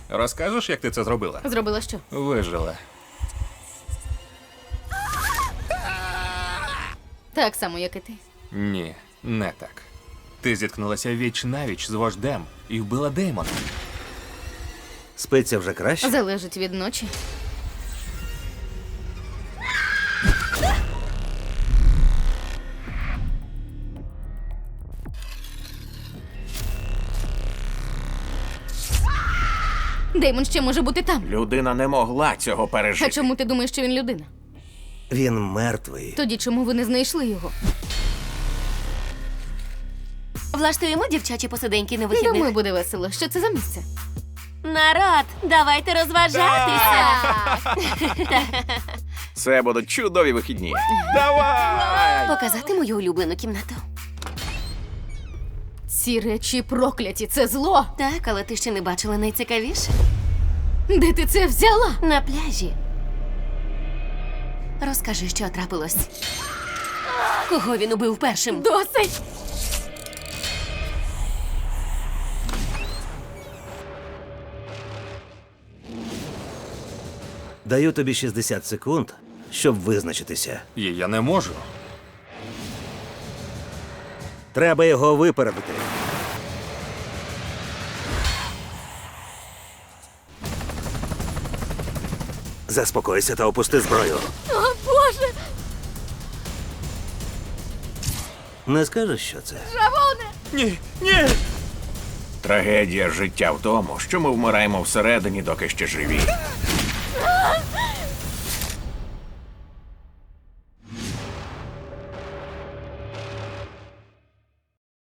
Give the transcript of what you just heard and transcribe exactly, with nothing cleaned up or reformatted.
Розкажеш, як ти це зробила? Зробила що? Вижила. Так само, як і ти. Ні, не так. Ти зіткнулася віч навіч з вождем і вбила Деймона. Спиться вже краще? Залежить від ночі. Деймон ще може бути там. Людина не могла цього А пережити. чому ти думаєш, що він людина? Він мертвий. Тоді чому ви не знайшли його? Влаштуємо дівчачі посиденьки на вихідних. Думаю, буде весело. Що це за місце? Народ, давайте розважатися. Це будуть чудові вихідні. Давай! Показати мою улюблену кімнату. Ці речі прокляті, це зло. Так, але ти ще не бачила найцікавіше. Де ти це взяла? На пляжі. Розкажи, що трапилось. Кого він убив першим? Досить! Даю тобі шістдесят секунд, щоб визначитися. І я не можу. Треба його випередити. Заспокойся та опусти зброю. О, Боже! Не скажеш, що це? Равоне! Ні, ні! Трагедія життя в тому, що ми вмираємо всередині, доки ще живі.